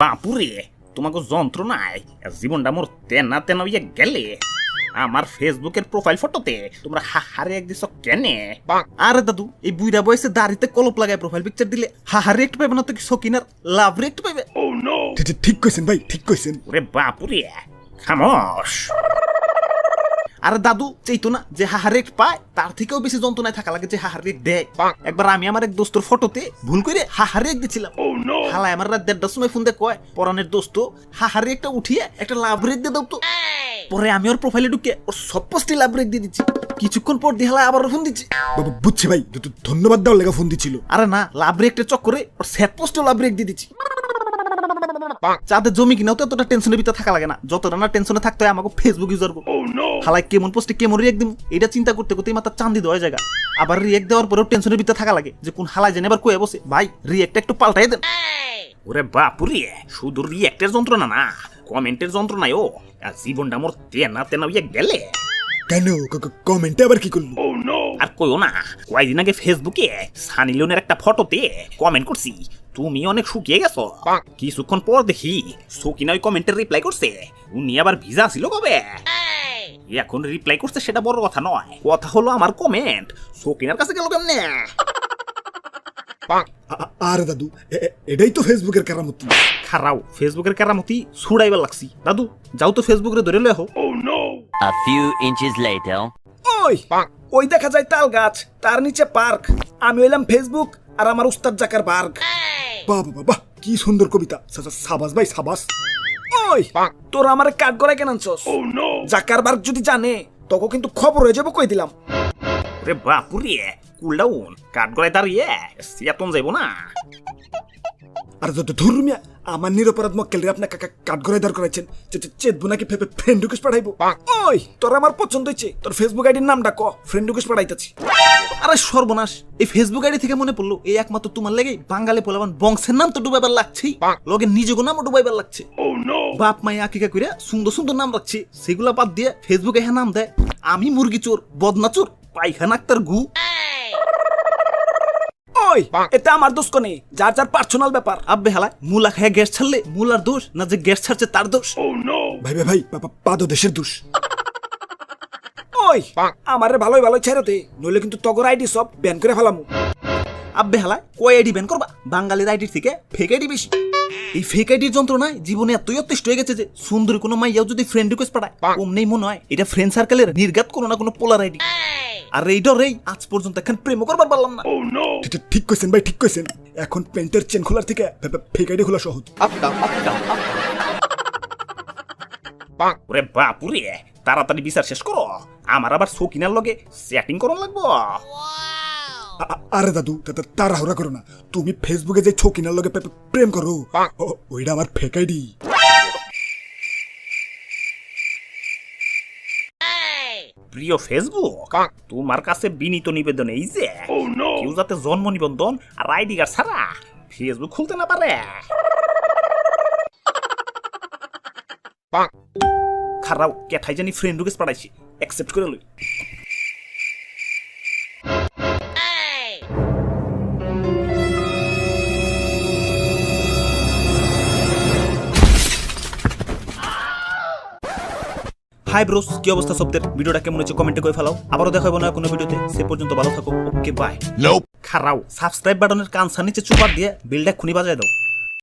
বাপুরে তোমাকে যন্ত্রণায় জীবনটা মোর তেনা তেনা হইয়া গেলে। আমার ফেসবুকের প্রোফাইল ফটোতে তোমরা হাহারে এক দিছ কেনে? আরে দাদু, এই বুইরা বয়সে দাড়িতে কলপ লাগায় প্রোফাইল পিকচার দিলে হাহারে একটু পাইবে না তো সকিনার লাভ রে একটু পাইবে? ঠিক কইছেন ভাই, ঠিক কইছেন। ওরে বাপুরে খামোশ। আরে দাদু চাইতো না যে হাহারে এক পায় তার থেকেও বেশি যন্ত্রণায় থাকা লাগে যে হাহারে এক দেয়। একবার আমি আমার এক দোস্তর ফটোতে ভুল করে হাহারে এক দিছিলাম। হালায় আমার রাত 1:30টার সময় ফোন দিয়ে কয়, পরানের দোস্ত হাহারে একটা উঠিয়ে একটা লাভ রেক দিয়ে দাও তো। পরে আমি ওর প্রোফাইলে ঢুকে ওর সব পোস্টে লাভ রেক দিয়ে দিচ্ছি। কিছুক্ষণ পর দিয়ে হালায় আবার ফোন দিচ্ছি। বাবা বুঝছি ভাই, ধন্যবাদ দেওয়ার লেগে ফোন দিছিল। আরে না, লাভ রেকটা চক্করে ওর স্যাড পোস্টেও লাভ রেক দিয়ে দিচ্ছি। চাঁদের জমি কিনাও তো এতটা টেনশনের ভিতরে থাকা লাগে না যতটা না টেনশনে থাকতে হয় আমাকে ফেসবুক ইউজার করবো। হালাই কেমন পোস্টে কেমন রিয়েক্ট দিব এটা চিন্তা করতে করতেই মাথা চান্দি দেওয়া জায়গা। আবার রিয়েক্ট দেওয়ার পরেও টেনশনের ভিতরে থাকা লাগে যে কোন হালাই জানে আবার কয়ে বসে ভাই রিয়েক্টটা একটু পাল্টাই দেন। ওরে বাপুরে শুধু রিয়েক্টের যন্ত্রণা না, কমেন্টের যন্ত্রণায় ও জীবনটা মোর তেনা তেনা হইয়া গেলে। কেন কমেন্টে আবার কি করলো? আর কইও না, কয়েকদিন আগে ফেসবুকে সানি লিওনের একটা ফটোতে কমেন্ট করছি তুমি অনেক শুকিয়ে গেছো। কিছুক্ষণ পর দেখি সকিনা ওই কমেন্টের রিপ্লাই করছে উনি আবার ভিজা ছিল কবে। এখন রিপ্লাই করছে সেটা বড় কথা নয়, কথা হলো আমার কমেন্ট সকিনার কাছে গেল কেমনে? আরে দাদু, এটাই তো ফেসবুকের কেরামতি। খারাও ফেসবুকের কেরামতি ছুড়াইবার লাগছি। দাদু যাও তো ফেসবুকে ধরে লয়ে হো। A few inches later. ওই দেখা যায় তাল গাছ, তার নিচে পার্ক। আমি হইলাম ফেসবুক আর আমার উস্তাদ জাকার বার্গ। বাবা বাবা কি সুন্দর কবিতা, সাবাস ভাই সাবাস। ওই তোরা আমার কাঠ গড়ায় কেন আনছস? জাকার বার্গ যদি জানে তখন কিন্তু খবর হয়ে যাবো, কই দিলাম। রে বাপুরে কুল ডাউন, কাঠ গড়ায় দাঁড়িয়ে সিয়াতন যাইব না। আর যত ধর্মিয়া আমার নিরপরাধ মক্কেলরে আপনার কাঠগড়ায় দাঁড় করাইছেন, চেতবো নাকি ফ্রেন্ড রিকোয়েস্ট পাঠাইবো? ওই তোর আমার পছন্দ হয়েছে, তোর ফেসবুক আইডির নামটা ক, ফ্রেন্ড রিকোয়েস্ট পাঠাইতেছি। আরে সর্বনাশ, এই ফেসবুক আইডি থেকে মনে পড়লো এই একমাত্র তোমার লেগে বাঙালি পোলাবান বংশের নাম তো ডুবাইবার লাগছেই, লগে নিজের নামও ডুবাইবার লাগছে। বাপ মাই আকিকা কইরা সুন্দর সুন্দর নাম রাখছে, সেগুলা বাদ দিয়ে ফেসবুকে হ্যাঁ নাম দেয় আমি মুরগি চোর, বদনা চোর, পায়খানা আক্তার গু। ওই এটা আমার দোষ কোনে, যার যার পার্সোনাল ব্যাপার। আব্বে হালায় মুলা খায় গ্যাস ছাড়লে মুলার দোষ না যে গ্যাস ছাড়ছে তার দোষ? ভাই ভাই ভাই পাদো দেশের দোষ। ওই আমারে ভালোই ভালোই ছেড়ে দে, নইলে কিন্তু তগর আইডি সব ব্যান করে ফেলামু। আব্বে হালায় কয় আইডি ব্যান করবা? বাঙালির আইডির থেকে ফেক আইডি বেশি। এই ফেক আইডির যন্ত্রণায় জীবনে এতই অতিষ্ঠ হয়ে গেছে যে সুন্দরী কোনো মাইয়াও যদি ফ্রেন্ড রিকোয়েস্ট পাঠায় অমনেই মনে হয় এটা ফ্রেন্ড সার্কেলের নির্ঘাত কোনো না কোনো পোলার আইডি। আর এইটারেই আজ পর্যন্ত এখন প্রেম করবার পারলাম না। ঠিক কইছেন ভাই, ঠিক কইছেন। এখন প্যান্টের চেন খোলার থেকে ফেক আইডি খোলা সহজ। ওরে বাপুরে তাড়াতাড়ি বিচার শেষ করো, আমার আবার সকিনার লগে সেটিং করন লাগবো। আরে দাদু তাড়াহুড়া করো না, তুমি ফেসবুকে যে ছকিনার লগে প্রেম করো ওইটা আমার ফেক আইডি। প্রিয় ফেসবুক, তোমার কাছে বিনীত নিবেদন এই যে কেউ যাতে জন্ম নিবন্ধন আর আইডি কার্ড ছাড়া ফেসবুক খুলতে না পারে। খারাও কেঠাই জানি ফ্রেন্ড রিকোয়েস্ট পাঠাইছি, অ্যাকসেপ্ট করে লই। হাই ব্রোস, কি অবস্থা সবদের? ভিডিওটা কেমন হয়েছে কমেন্টে করে ফেলাও। আবারও দেখা হবে না কোনো ভিডিওতে, সে পর্যন্ত ভালো থাকো। Okay bye. খারাও সাবস্ক্রাইব বাটনের কানসার নিচে চুপার দিয়ে বেলটা খুনি বাজায় দাও।